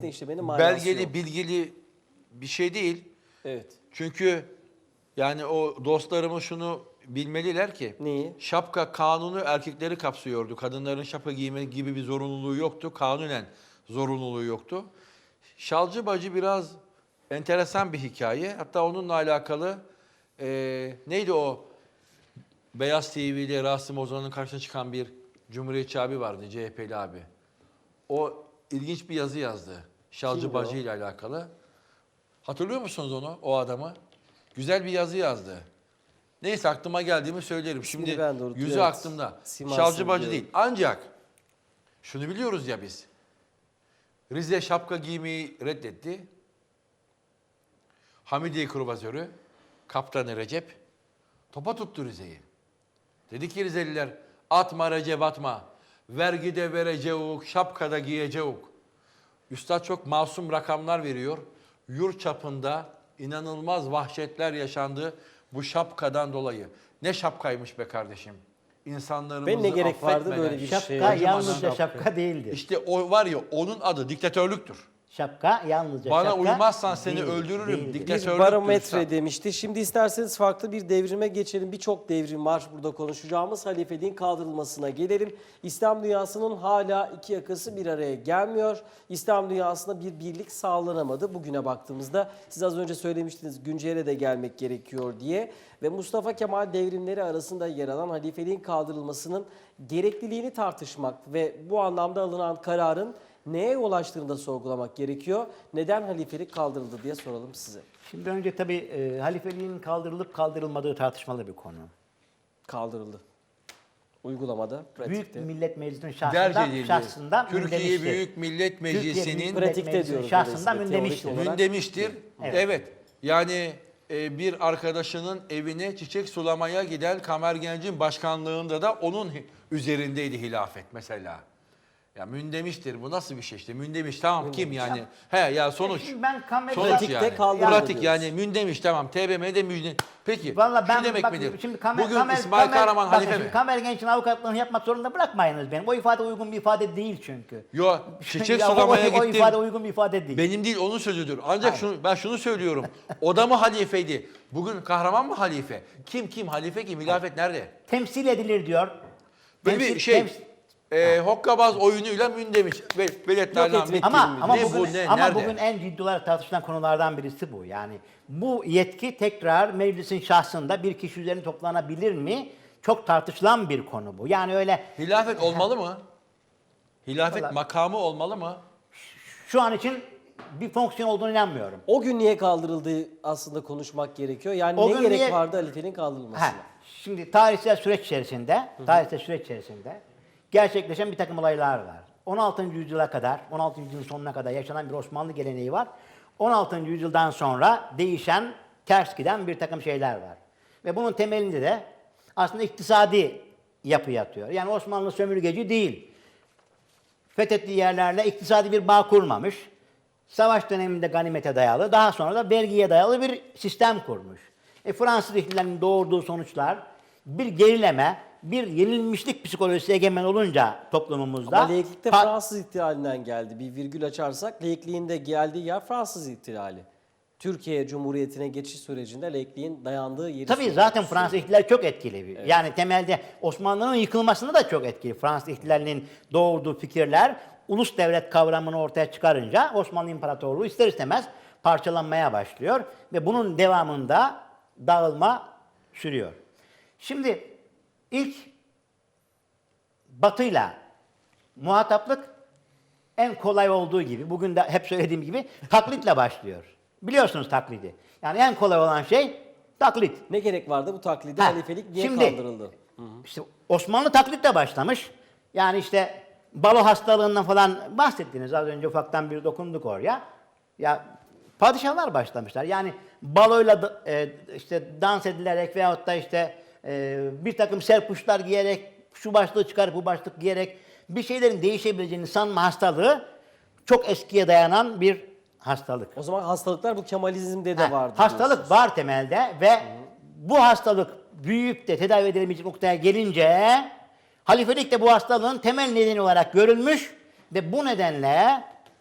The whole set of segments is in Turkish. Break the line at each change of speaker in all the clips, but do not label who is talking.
işlemenin manası
belgeli,
yok.
bilgili bir şey değil.
Evet.
Çünkü yani o dostlarımız şunu bilmeliler ki
Neyi?
şapka kanunu erkekleri kapsıyordu. Kadınların şapka giyme gibi bir zorunluluğu yoktu. Kanunen zorunluluğu yoktu. Şalcı Bacı biraz enteresan bir hikaye. Hatta onunla alakalı neydi o Beyaz TV'de Rasim Ozan'ın karşısına çıkan bir Cumhuriyetçi abi vardı, CHP'li abi. O ilginç bir yazı yazdı. Şalcı
Kimdi
Bacı
o?
ile alakalı. Hatırlıyor musunuz onu, o adamı? Güzel bir yazı yazdı. Neyse aklıma geldiğimi söylerim.
İsmini
Şimdi
ben de unuttum,
yüzü
evet.
aklımda.
Simasını
Şalcı Bacı
biliyorum.
değil. Ancak şunu biliyoruz ya biz. Rize şapka giymeyi reddetti. Hamidiye Kruvazörü, Kaptanı Recep topa tuttu Rize'yi. Dedi ki Rizeliler, atma Recep atma. Vergide vereceğuk, şapkada giyeceğuk. Üstad çok masum rakamlar veriyor. Yurt çapında inanılmaz vahşetler yaşandı bu şapkadan dolayı. Ne şapkaymış be kardeşim. İnsanlarımızı
Ben ne gerek vardı
affetmeden,
böyle bir
Şapka
şey?
yalnızca şapka değildir.
İşte o var ya, onun adı diktatörlüktür.
Şapka yalnızca
Bana
şapka
uymazsan seni
değildir,
öldürürüm.
değildir.
Diktatörlüktür
Bir barometre
üstad.
demişti. Şimdi isterseniz farklı bir devrime geçelim. Birçok devrim var burada konuşacağımız. Halifeliğin kaldırılmasına gelelim. İslam dünyasının hala iki yakası bir araya gelmiyor. İslam dünyasında bir birlik sağlanamadı. Bugüne baktığımızda siz az önce söylemiştiniz güncele de gelmek gerekiyor diye. Ve Mustafa Kemal devrimleri arasında yer alan halifeliğin kaldırılmasının gerekliliğini tartışmak ve bu anlamda alınan kararın neye yol açtığını da sorgulamak gerekiyor. Neden halifelik kaldırıldı diye soralım size.
Şimdi önce tabii halifeliğin kaldırılıp kaldırılmadığı tartışmalı bir konu.
Kaldırıldı. Uygulamada, pratikte.
Büyük Millet Meclisi'nin
Derc edildi.
şahsında
Türkiye
mündemiştir.
Büyük Millet Meclisi'nin
Millet
Pratikte
Meclisi'nin
diyoruz
şahsında
dolayısıyla,
mündemiştir.
teorik olarak.
Mündemiştir.
Evet.
Evet. Yani bir arkadaşının evine çiçek sulamaya giden Kamer Genc'in başkanlığında da onun üzerindeydi hilafet mesela. Ya mündemiştir. Bu nasıl bir şey işte? Mündemiş tamam kim yani? He ya sonuç.
Şimdi ben
Pratikte
yani.
kaldırıldı
Pratik
diyoruz.
yani mündemiş tamam. TBMM'de mündemiş. Peki
Vallahi ben
şu demek
bak,
midir?
şimdi
Bugün İsmail Kahraman
bakın
halife
şimdi
mi?
Kamer Genç'in avukatlığını yapmak zorunda bırakmayınız benim. O ifade uygun bir ifade değil çünkü.
Yo çiçek
Ya
sulamaya
o
gittim.
ifade uygun bir ifade değil.
Benim değil onun sözüdür. Ancak ben şunu söylüyorum. O da mı halifeydi? Bugün kahraman mı halife? Kim halife kim? Hilafet nerede?
Temsil edilir diyor.
Böyle bir şey hokkabaz oyunuyla mündemiş. Veletlerle
Ama
ne
bugün,
bu ne
ama
nerede?
bugün en ciddi olarak tartışılan konulardan birisi bu. Yani bu yetki tekrar meclisin şahsında bir kişi üzerine toplanabilir mi? Çok tartışılan bir konu bu. Yani öyle
Hilafet olmalı mı? Hilafet
Vallahi-
makamı olmalı mı?
şu an için bir fonksiyon olduğunu inanmıyorum.
O gün niye kaldırıldığı aslında konuşmak gerekiyor. Yani
O
ne
gün
gerek
niye-
vardı halifeliğin kaldırılmasına?
Şimdi tarihsel süreç içerisinde gerçekleşen bir takım olaylar var. 16. yüzyıla kadar, 16. yüzyılın sonuna kadar yaşanan bir Osmanlı geleneği var. 16. yüzyıldan sonra değişen, ters giden bir takım şeyler var. Ve bunun temelinde de aslında iktisadi yapı yatıyor. Yani Osmanlı sömürgeci değil. Fethettiği yerlerle iktisadi bir bağ kurmamış. Savaş döneminde ganimete dayalı, daha sonra da vergiye dayalı bir sistem kurmuş. Fransız ihtilalinin doğurduğu sonuçlar bir gerileme, bir yenilmişlik psikolojisi egemen olunca toplumumuzda...
Ama laiklik Fransız ihtilalinden geldi. Bir virgül açarsak laikliğin de geldiği yer Fransız ihtilali. Türkiye Cumhuriyeti'ne geçiş sürecinde laikliğin dayandığı yeri...
Tabii zaten Fransız ihtilali çok etkili. Evet. Yani temelde Osmanlı'nın yıkılmasında da çok etkili. Fransız ihtilalinin doğurduğu fikirler ulus devlet kavramını ortaya çıkarınca Osmanlı İmparatorluğu ister istemez parçalanmaya başlıyor. Ve bunun devamında dağılma sürüyor. Şimdi ilk Batı'yla muhataplık en kolay olduğu gibi, bugün de hep söylediğim gibi taklitle başlıyor. Biliyorsunuz taklidi. Yani en kolay olan şey taklit.
Ne gerek vardı bu taklide? Halifelik niye
Şimdi,
kaldırıldı?
İşte Osmanlı taklitle başlamış. Yani işte balo hastalığından falan bahsettiniz. Az önce ufaktan bir dokunduk oraya. Ya padişahlar başlamışlar. Yani baloyla işte dans edilerek veyahut da işte bir takım serpuşlar giyerek, şu başlığı çıkarıp bu başlık giyerek bir şeylerin değişebileceğini sanma hastalığı çok eskiye dayanan bir hastalık.
O zaman hastalıklar bu Kemalizm'de de vardı.
Hastalık
diyorsunuz.
var temelde ve bu hastalık büyüyüp de tedavi edilemeyecek noktaya gelince halifelik de bu hastalığın temel nedeni olarak görülmüş ve bu nedenle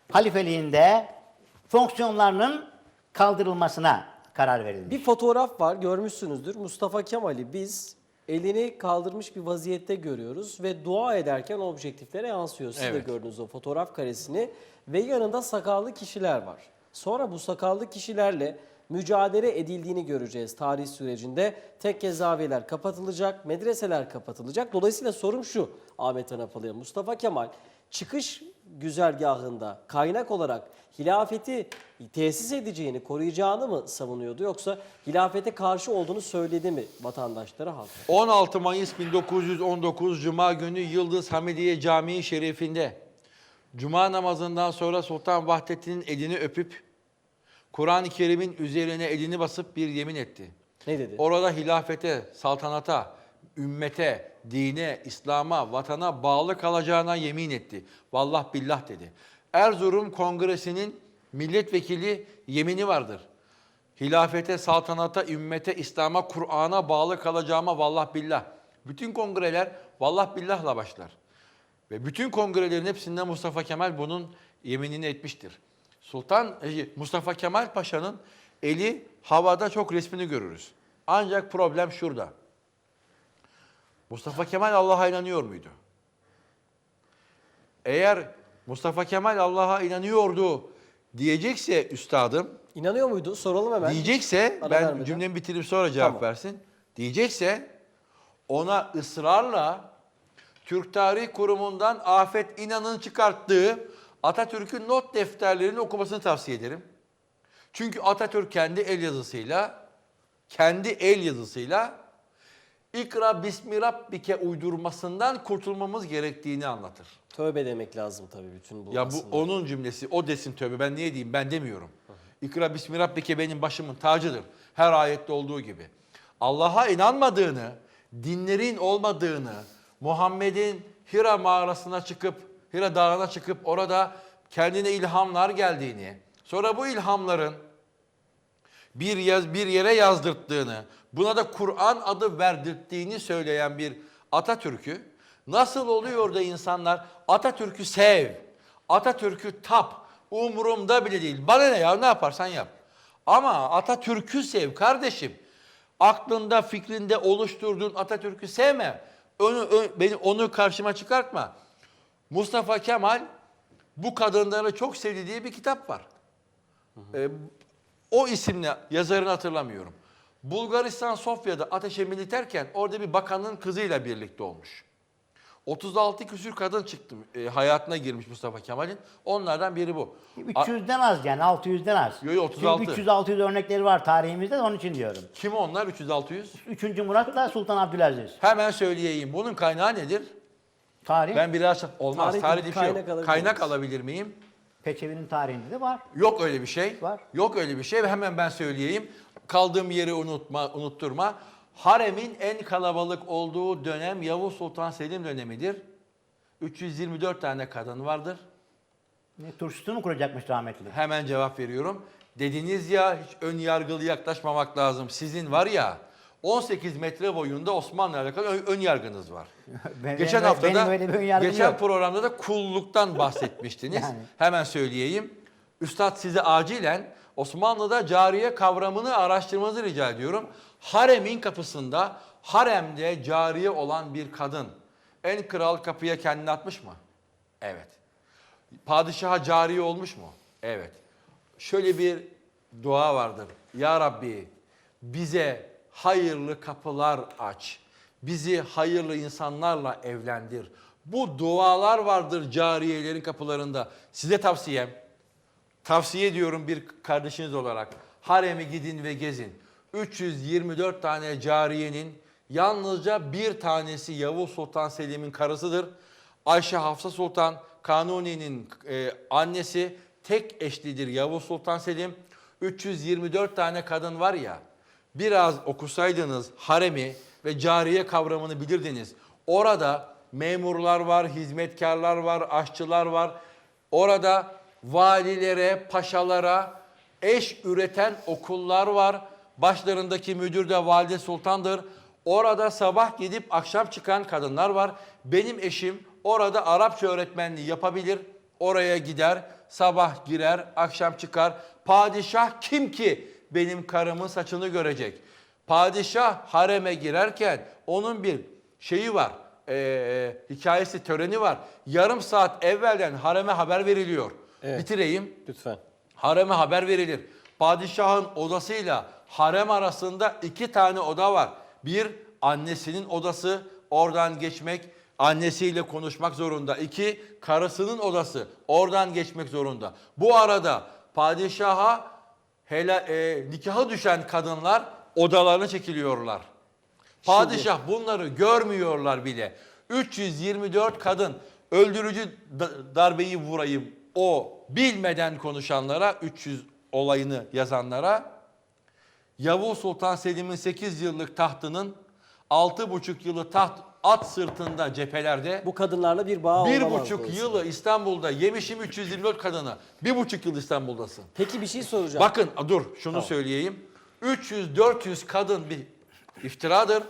halifeliğinde fonksiyonlarının kaldırılmasına karar verildi.
Bir fotoğraf var, görmüşsünüzdür. Mustafa Kemal'i biz elini kaldırmış bir vaziyette görüyoruz ve dua ederken objektiflere yansıyor. Siz de
Evet.
gördünüz o fotoğraf karesini ve yanında sakallı kişiler var. Sonra bu sakallı kişilerle mücadele edildiğini göreceğiz tarih sürecinde. Tekke zaviyeler kapatılacak, medreseler kapatılacak. Dolayısıyla sorum şu Ahmet Anapalı'ya. Mustafa Kemal çıkış güzergahında kaynak olarak hilafeti tesis edeceğini, koruyacağını mı savunuyordu, yoksa hilafete karşı olduğunu söyledi mi vatandaşlara, halka?
16 Mayıs 1919 Cuma günü Yıldız Hamidiye Camii Şerifinde Cuma namazından sonra Sultan Vahdettin'in elini öpüp Kur'an-ı Kerim'in üzerine elini basıp bir yemin etti.
Ne dedi?
Orada hilafete, saltanata, ümmete, dine, İslam'a, vatana bağlı kalacağına yemin etti. Vallah billah dedi. Erzurum Kongresi'nin milletvekili yemini vardır. Hilafete, saltanata, ümmete, İslam'a, Kur'an'a bağlı kalacağıma vallah billah. Bütün kongreler vallah billahla başlar. Ve bütün kongrelerin hepsinde Mustafa Kemal bunun yeminini etmiştir. Mustafa Kemal Paşa'nın eli havada çok resmini görürüz. Ancak problem şurada. Mustafa Kemal Allah'a inanıyor muydu? Eğer Mustafa Kemal Allah'a inanıyordu diyecekse üstadım,
İnanıyor muydu? Soralım hemen.
diyecekse,
Ara
ben
vermeden.
cümlemi bitirip sonra cevap
Tamam.
versin. Diyecekse ona ısrarla Türk Tarih Kurumu'ndan Afet İnan'ın çıkarttığı Atatürk'ün not defterlerini okumasını tavsiye ederim. Çünkü Atatürk kendi el yazısıyla İkra Bismi Rabbike uydurmasından kurtulmamız gerektiğini anlatır.
Tövbe demek lazım tabii bütün bu
Ya bu
aslında.
onun cümlesi, o desin tövbe. Ben niye diyeyim? Ben demiyorum. İkra Bismi Rabbike benim başımın tacıdır. Her ayette olduğu gibi. Allah'a inanmadığını, dinlerin olmadığını, Muhammed'in Hira mağarasına çıkıp, Hira dağına çıkıp orada kendine ilhamlar geldiğini, sonra bu ilhamların bir yere yazdırttığını, buna da Kur'an adı verdirttiğini söyleyen bir Atatürk'ü, nasıl oluyor da insanlar Atatürk'ü sev, Atatürk'ü tap, umurumda bile değil. Bana ne ya, ne yaparsan yap. Ama Atatürk'ü sev kardeşim. Aklında, fikrinde oluşturduğun Atatürk'ü sevme. Onu karşıma çıkartma. Mustafa Kemal bu kadınları çok sevdi diye bir kitap var. O isimle yazarını hatırlamıyorum. Bulgaristan Sofya'da ateşe militerken orada bir bakanın kızıyla birlikte olmuş. 36 küsür kadın çıktı, hayatına girmiş Mustafa Kemal'in. Onlardan biri bu.
300'den az yani 600'den az.
Yo, yo, 36.
Çünkü 300-600 örnekleri var tarihimizde de onun için diyorum.
Kim onlar 300-600?
3. Murat'la Sultan Abdülaziz.
Hemen söyleyeyim. Bunun kaynağı nedir?
Tarih
Ben biraz olmaz.
Tarih-
Tarihte bir şey
kaynak
yok.
alabilir
Kaynak
miyiz?
alabilir miyim?
Peçevi'nin tarihinde de var.
Yok öyle bir şey.
Var.
Yok öyle bir şey ve hemen ben söyleyeyim. Kaldığım yeri unutturma. Haremin en kalabalık olduğu dönem Yavuz Sultan Selim dönemidir. 324 tane kadın vardır.
Ne, turşusunu mu kuracakmış rahmetli?
Hemen cevap veriyorum. Dediniz ya hiç ön yargılı yaklaşmamak lazım. Sizin var ya 18 metre boyunda Osmanlı'yla alakalı ön yargınız var. Geçen haftada,
benim öyle bir ön yargım
geçen
yok.
programda da kulluktan bahsetmiştiniz.
Yani.
Hemen söyleyeyim. Üstad size acilen Osmanlı'da cariye kavramını araştırmanızı rica ediyorum. Haremin kapısında, haremde cariye olan bir kadın en kral kapıya kendini atmış mı? Evet. Padişaha cariye olmuş mu? Evet. Şöyle bir dua vardır. Ya Rabbi bize hayırlı kapılar aç. Bizi hayırlı insanlarla evlendir. Bu dualar vardır cariyelerin kapılarında. Size tavsiye ediyorum bir kardeşiniz olarak. Haremi gidin ve gezin. 324 tane cariyenin yalnızca bir tanesi Yavuz Sultan Selim'in karısıdır. Ayşe Hafsa Sultan Kanuni'nin annesi, tek eşlidir Yavuz Sultan Selim. 324 tane kadın var ya, biraz okusaydınız haremi ve cariye kavramını bilirdiniz. Orada memurlar var, hizmetkarlar var, aşçılar var. Orada valilere, paşalara eş üreten okullar var. Başlarındaki müdür de valide sultandır. Orada sabah gidip akşam çıkan kadınlar var. Benim eşim orada Arapça öğretmenliği yapabilir. Oraya gider. sabah girer, akşam çıkar. Padişah kim ki benim karımın saçını görecek? Padişah hareme girerken onun bir şeyi var, hikayesi, töreni var. Yarım saat evvelden hareme haber veriliyor.
Evet.
Bitireyim.
Lütfen.
Hareme haber verilir. Padişahın odasıyla harem arasında 2 tane oda var. Bir, annesinin odası, oradan geçmek, annesiyle konuşmak zorunda. 2, karısının odası, oradan geçmek zorunda. Bu arada padişaha nikahı düşen kadınlar odalarına çekiliyorlar. Padişah bunları görmüyorlar bile. 324 kadın öldürücü darbeyi vurayım o bilmeden konuşanlara, 300 olayını yazanlara, Yavuz Sultan Selim'in 8 yıllık tahtının 6,5 yılı taht at sırtında cephelerde,
Bu kadınlarla bir bağ olamaz.
1,5
dolayısıyla.
yılı İstanbul'da yemişim 324 kadını. 1,5 yıl İstanbul'dasın.
Peki bir şey soracağım.
Bakın dur şunu
Tamam.
söyleyeyim. 300-400 kadın bir iftiradır.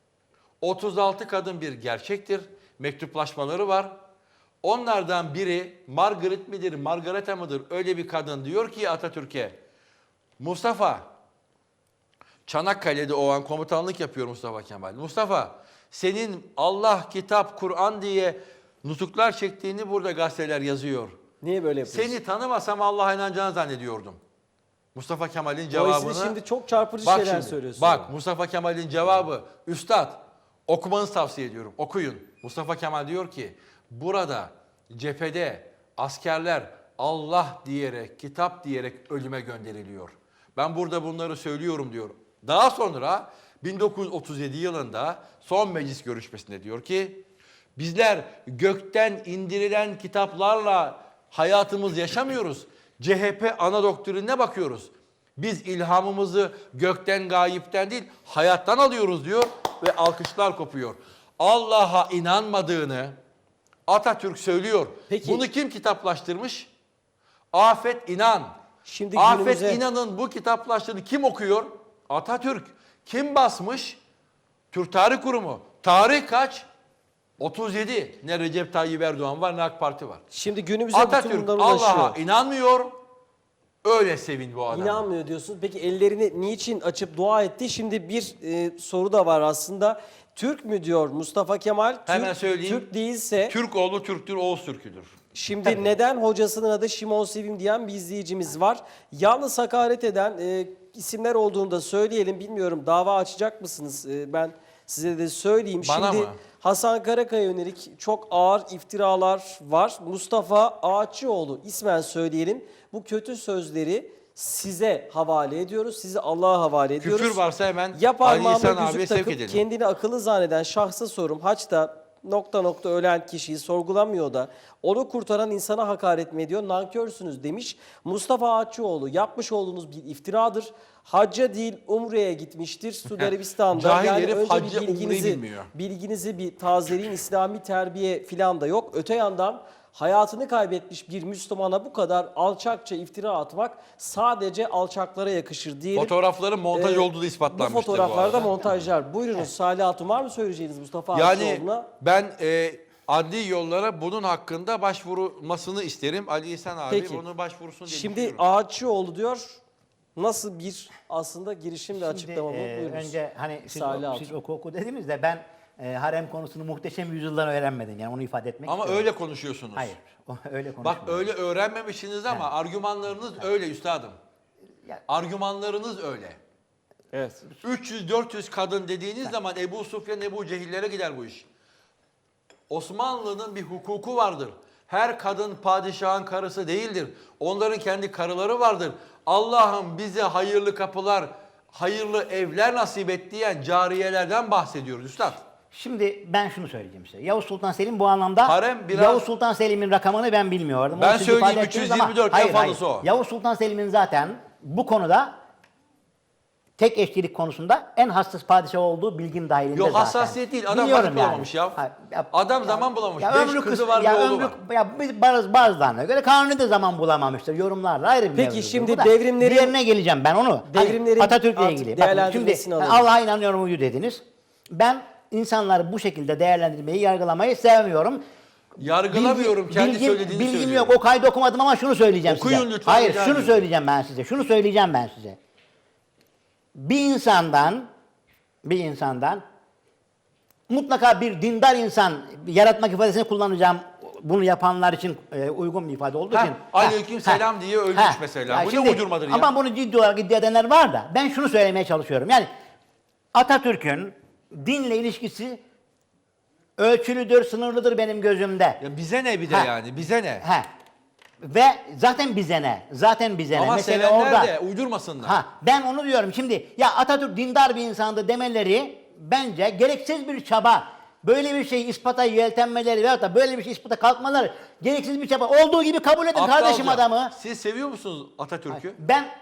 36 kadın bir gerçektir. Mektuplaşmaları var. Onlardan biri Margaret midir, Margareta mıdır öyle bir kadın diyor ki Atatürk'e, Mustafa, Çanakkale'de o an komutanlık yapıyor Mustafa Kemal. Mustafa, senin Allah, kitap, Kur'an diye nutuklar çektiğini burada gazeteler yazıyor.
Niye böyle yapıyorsun?
Seni tanımasam Allah'a inanacağını zannediyordum. Mustafa Kemal'in cevabını...
Dolayısıyla şimdi çok çarpıcı
Bak
şeyler
şimdi,
söylüyorsun.
bak Mustafa Kemal'in cevabı, Üstad okumanızı tavsiye ediyorum, okuyun. Mustafa Kemal diyor ki, burada cephede askerler Allah diyerek, kitap diyerek ölüme gönderiliyor. Ben burada bunları söylüyorum diyor. Daha sonra 1937 yılında son meclis görüşmesinde diyor ki, bizler gökten indirilen kitaplarla hayatımız yaşamıyoruz. CHP ana doktrinine bakıyoruz. Biz ilhamımızı gökten, gayipten değil, hayattan alıyoruz diyor ve alkışlar kopuyor. Allah'a inanmadığını Atatürk söylüyor.
Peki.
Bunu kim kitaplaştırmış? Afet İnan.
Şimdi
Afet
günümüze-
İnan'ın bu kitaplaştığını kim okuyor? Atatürk. Kim basmış? Türk Tarih Kurumu. Tarih kaç? 37. Ne Recep Tayyip Erdoğan var ne AK Parti var.
Şimdi günümüze bütün
Atatürk
bunlar ulaşıyor.
Allah'a inanmıyor. Öyle sevin bu adamı.
İnanmıyor diyorsunuz. Peki ellerini niçin açıp dua etti? Şimdi bir soru da var aslında. Türk mü diyor Mustafa Kemal?
Hemen
Türk,
söyleyeyim.
Türk değilse
Türk oğlu Türktür, Oğuz Türk'üdür.
şimdi neden hocasının adı Şimon Sevim diyen bir izleyicimiz var. Yalnız hakaret eden isimler olduğunu da söyleyelim. Bilmiyorum dava açacak mısınız? Ben size de söyleyeyim.
Bana
Şimdi
mı?
Hasan Karakaya yönelik çok ağır iftiralar var. Mustafa Ağaççıoğlu ismen söyleyelim. Bu kötü sözleri size havale ediyoruz. Sizi Allah'a havale ediyoruz.
Küfür varsa hemen
Ya
Ali
parmağıma
İhsan abiye
yüzük
sevk
takıp
edelim.
kendini akıllı zanneden şahsa sorum. Haçta nokta nokta ölen kişiyi sorgulamıyor da onu kurtaran insana hakaret mi ediyor? Nankörsünüz demiş. Mustafa Ağaççıoğlu yapmış olduğunuz bir iftiradır. Hacca değil Umre'ye gitmiştir Suudi Arabistan'da.
Cahil herif
önce
hacca,
bir
Umre'yi bilmiyor.
bilginizi bir tazeleyin. İslami terbiye filan da yok. Öte yandan hayatını kaybetmiş bir Müslümana bu kadar alçakça iftira atmak sadece alçaklara yakışır diyelim.
Fotoğrafların montaj olduğu da ispatlanmıştır
Bu fotoğraflarda
arada.
montajlar. Buyurunuz Salih Hatun, var mı söyleyeceğiniz Mustafa
Yani
Ağaççıoğlu'na?
ben adli yollara bunun hakkında başvurmasını isterim. Ali İhsan abi
Peki.
bunu başvursun diye
Şimdi
düşünüyorum.
Ağaççıoğlu diyor nasıl bir aslında girişim ve açıklama bu? Buyurunuz.
Önce hani
Salih Hatun.
siz oku dediğimizde ben harem konusunu muhteşem yüzyıldan öğrenmedim. Yani onu ifade etmek
Ama
istiyorum.
öyle konuşuyorsunuz.
Hayır. Öyle
Bak
konuşmuyorum.
öyle öğrenmemişsiniz ama argümanlarınız öyle üstadım.
Ya-
Argümanlarınız öyle.
Evet.
300-400 kadın dediğiniz zaman Ebu Sufyan, Ebu Cehillere gider bu iş. Osmanlı'nın bir hukuku vardır. Her kadın padişahın karısı değildir. Onların kendi karıları vardır. Allah'ım bize hayırlı kapılar, hayırlı evler nasip et diyen cariyelerden bahsediyoruz üstad.
Şimdi ben şunu söyleyeceğim size. Yavuz Sultan Selim bu anlamda
Harem biraz-
Yavuz Sultan Selim'in rakamını ben bilmiyordum.
Ben
Onu siz
söyleyeyim,
ifade ettiniz
324
ama-
en fazlası o.
Yavuz Sultan Selim'in zaten bu konuda tek eşlilik konusunda en hassas padişah olduğu bilgim dahilinde
Yok,
zaten.
hassasiyet değil. Adam
Biliyorum
vakit bulamamış ya. Adam zaman bulamamış. 5 kızı var, bir oğlu var.
Bazılarına göre Kanuni de zaman bulamamıştır. Yorumlarla ayrı bir
Peki,
mevzudur.
şimdi
Bu da
devrimlerin-
diğerine geleceğim ben onu.
Devrimlerin
Atatürk'le
artık
ilgili. Bakın, şimdi
değerlendirmesini alalım.
Allah'a inanıyorum uyu dediniz. Ben insanları bu şekilde değerlendirmeyi, yargılamayı sevmiyorum.
Yargılamıyorum, kendi söylediğini
bilgim
söylüyorum.
yok. O kaydı okumadım ama şunu söyleyeceğim size.
Okuyun lütfen,
Hayır,
rica
şunu
ediyorum.
söyleyeceğim ben size. Şunu söyleyeceğim ben size. Bir insandan mutlaka bir dindar insan, yaratmak ifadesini kullanacağım. Bunu yapanlar için uygun bir ifade olduğu için.
Aleyküm selam diye ölmüş mesela. Bu ne uydurmadır ya?
Ama bunu ciddi olarak iddia edenler var da ben şunu söylemeye çalışıyorum. Yani Atatürk'ün dinle ilişkisi ölçülüdür, sınırlıdır benim gözümde.
Ya bize ne bir de
Ha.
yani, bize ne?
Ve zaten bize ne? Zaten bize ne?
Ama
Mesele
sevenler
orada.
de uydurmasınlar.
Ben onu diyorum. Şimdi ya Atatürk dindar bir insandı demeleri bence gereksiz bir çaba. Böyle bir şey ispata yeltenmeleri veyahut da böyle bir şey ispata kalkmaları gereksiz bir çaba. Olduğu gibi kabul edin kardeşim
Aptalca.
adamı.
Siz seviyor musunuz Atatürk'ü?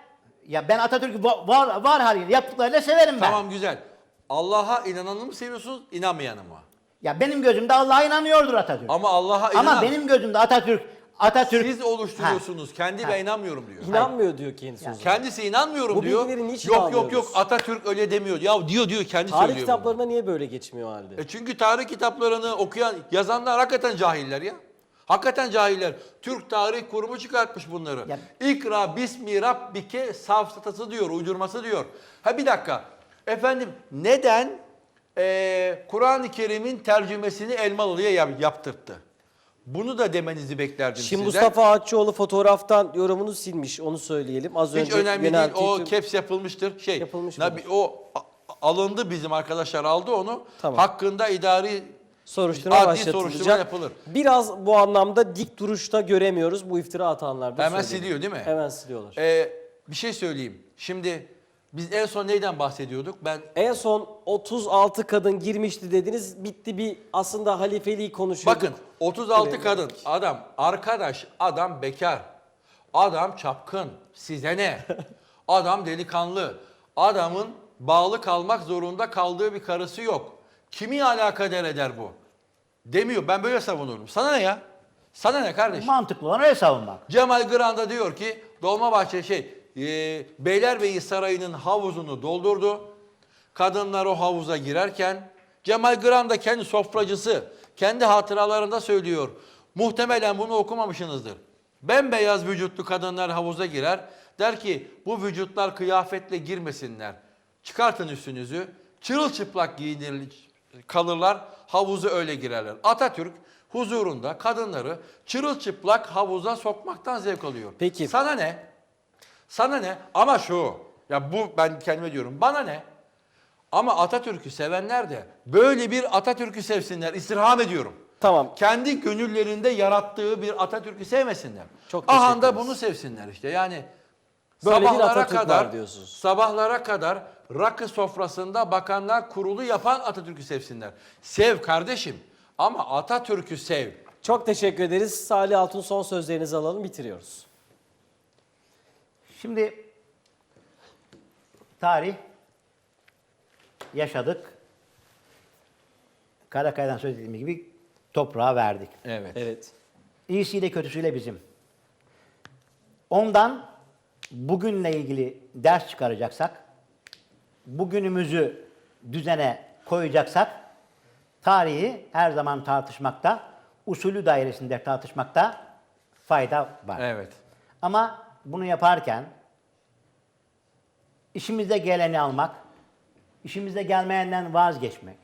Ben Atatürk'ü var haliyle yaptıklarıyla severim ben.
Tamam, güzel. Allah'a inananı mı seviyorsunuz, inanmayanı mı?
Ya benim gözümde Allah'a inanıyordur Atatürk.
Ama Allah'a inanan...
Ama benim gözümde Atatürk
Siz oluşturuyorsunuz. Kendi ben inanmıyorum diyor.
İnanmıyor diyor kendisi. o zaman.
Kendisi inanmıyorum
Bu
diyor.
bilgileri niçin
Yok
almıyoruz?
Atatürk öyle demiyor. Ya diyor kendi
Tarih
söylüyor. bunu.
kitaplarında niye böyle geçmiyor o halde?
Çünkü tarih kitaplarını okuyan, yazanlar hakikaten cahiller ya. Hakikaten cahiller. Türk Tarih Kurumu çıkartmış bunları.
Ya-
İkra bismi rabbike safsatası diyor, uydurması diyor. Ha bir dakika. Efendim neden Kur'an-ı Kerim'in tercümesini Elmalı'ya yaptırttı? Bunu da demenizi beklerdim
Şimdi
sizden.
Mustafa Akçoğlu fotoğraftan yorumunu silmiş. Onu söyleyelim. Az
Hiç
önce
önemli değil.
yönelttiği
O
tüm-
caps yapılmıştır.
Yapılmış
na-
mıdır?
o alındı, bizim arkadaşlar aldı onu.
Tamam.
Hakkında idari
soruşturma
adli
başlatılacak.
soruşturma yapılır.
Biraz bu anlamda dik duruşta göremiyoruz bu iftira atanlar da.
Hemen
söyleyelim.
siliyor değil mi?
Hemen siliyorlar.
Bir şey söyleyeyim. Şimdi biz en son neyden bahsediyorduk? Ben
En son 36 kadın girmişti dediniz. Bitti bir aslında halifeliği konuşuyorduk.
bakın 36
Evet.
kadın adam arkadaş, adam bekar, adam çapkın, size ne? Adam delikanlı, adamın bağlı kalmak zorunda kaldığı bir karısı yok. Kimi alakadar eder bu? Demiyor. Ben böyle savunurum. Sana ne ya? Sana ne kardeş?
mantıklı olan öyle savunmak.
Cemal Granda diyor ki Dolmabahçe Beylerbeyi Sarayı'nın havuzunu doldurdu. Kadınlar o havuza girerken Cemal Granda kendi sofracısı kendi hatıralarında söylüyor. Muhtemelen bunu okumamışsınızdır. Bembeyaz vücutlu kadınlar havuza girer. Der ki bu vücutlar kıyafetle girmesinler. Çıkartın üstünüzü. Çırılçıplak giyinir kalırlar. Havuza öyle girerler. Atatürk huzurunda kadınları çırılçıplak havuza sokmaktan zevk alıyor.
Peki.
Sana ne? Sana ne? Ama şu. Ya bu ben kendime diyorum. Bana ne? Ama Atatürk'ü sevenler de böyle bir Atatürk'ü sevsinler. İstirham ediyorum.
Tamam.
Kendi gönüllerinde yarattığı bir Atatürk'ü sevmesinler.
Çok teşekkür
Aha da
ederiz.
bunu sevsinler işte. Yani
Böyle bir
sabahlara
Atatürk
kadar
var diyorsunuz.
sabahlara kadar rakı sofrasında bakanlar kurulu yapan Atatürk'ü sevsinler. Sev kardeşim ama Atatürk'ü sev.
Çok teşekkür ederiz. Salih Altun son sözlerinizi alalım, bitiriyoruz.
Şimdi tarih yaşadık. Karakaya'dan söz ettiğim gibi toprağa verdik.
Evet.
Evet.
İyisiyle kötüsüyle bizim. Ondan bugünle ilgili ders çıkaracaksak, bugünümüzü düzene koyacaksak, tarihi her zaman tartışmakta, usulü dairesinde tartışmakta fayda var.
Evet.
Ama bunu yaparken işimize geleni almak, işimize gelmeyenden vazgeçmek,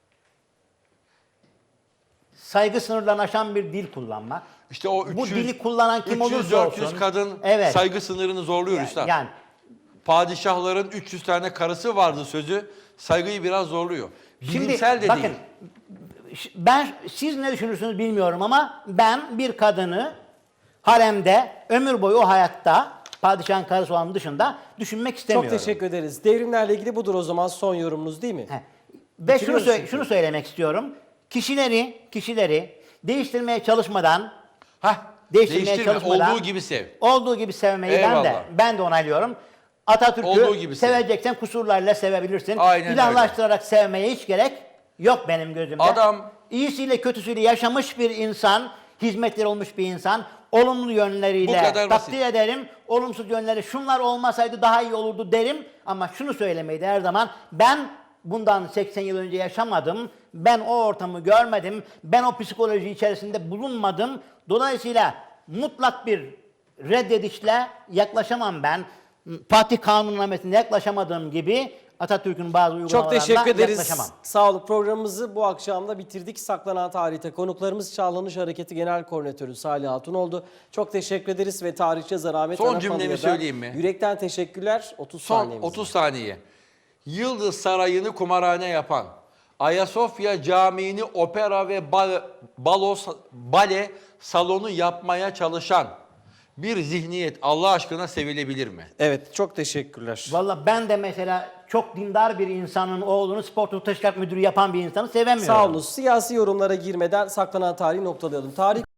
saygı sınırlarını aşan bir dil kullanmak,
İşte o 300,
bu dili kullanan kim
300,
olursa olsun,
400 kadın
evet,
saygı sınırını zorluyor üstad.
yani
Padişahların 300 tane karısı vardı sözü saygıyı biraz zorluyor.
şimdi
Bilimsel de
bakın,
değil.
siz ne düşünürsünüz bilmiyorum ama ben bir kadını haremde ömür boyu o hayatta padişahın karısı olan dışında düşünmek istemiyorum.
Çok teşekkür ederiz. Devrimlerle ilgili budur o zaman son yorumunuz değil mi?
He. Ve
Bitiriyoruz çünkü.
şunu söylemek istiyorum. Kişileri değiştirmeye çalışmadan,
Değiştirme, olduğu gibi sev.
olduğu gibi sevmeyi
Eyvallah.
ben de onaylıyorum.
Olduğu
Atatürk'ü
gibi sev.
seveceksen kusurlarla sevebilirsin.
Aynen
İlahlaştırarak sevmeye hiç gerek yok benim gözümde.
Adam-
iyisiyle kötüsüyle yaşamış bir insan, hizmetleri olmuş bir insan, olumlu
Bu
yönleriyle
kadar basit.
takdir ederim. Olumsuz yönleri şunlar olmasaydı daha iyi olurdu derim. Ama şunu söylemeyi de her zaman ben bundan 80 yıl önce yaşamadım. Ben o ortamı görmedim. Ben o psikoloji içerisinde bulunmadım. Dolayısıyla mutlak bir reddedişle yaklaşamam ben. Fatih Kanunnamesi'ne yaklaşamadığım gibi Atatürk'ün bazı
Çok
uygulamalarına
teşekkür ederiz.
yaklaşamam.
Sağ olun. Programımızı bu akşam da bitirdik. Saklanan tarihte konuklarımız Çağlanış Hareketi Genel Koordinatörü Salih Hatun oldu. Çok teşekkür ederiz ve tarihçi Zahmet
Son
Anafalı'ya
cümlemi
da
söyleyeyim mi?
yürekten teşekkürler. 30
Son
saniyemiz
30
var.
saniye. Yıldız Sarayı'nı kumarhane yapan, Ayasofya Camii'ni opera ve bale salonu yapmaya çalışan bir zihniyet Allah aşkına sevilebilir mi?
Evet, çok teşekkürler.
Valla ben de mesela çok dindar bir insanın oğlunu spor teşkilat müdürü yapan bir insanı sevemiyorum.
Sağ olun. Siyasi yorumlara girmeden saklanan tarihi noktalayalım. Tarih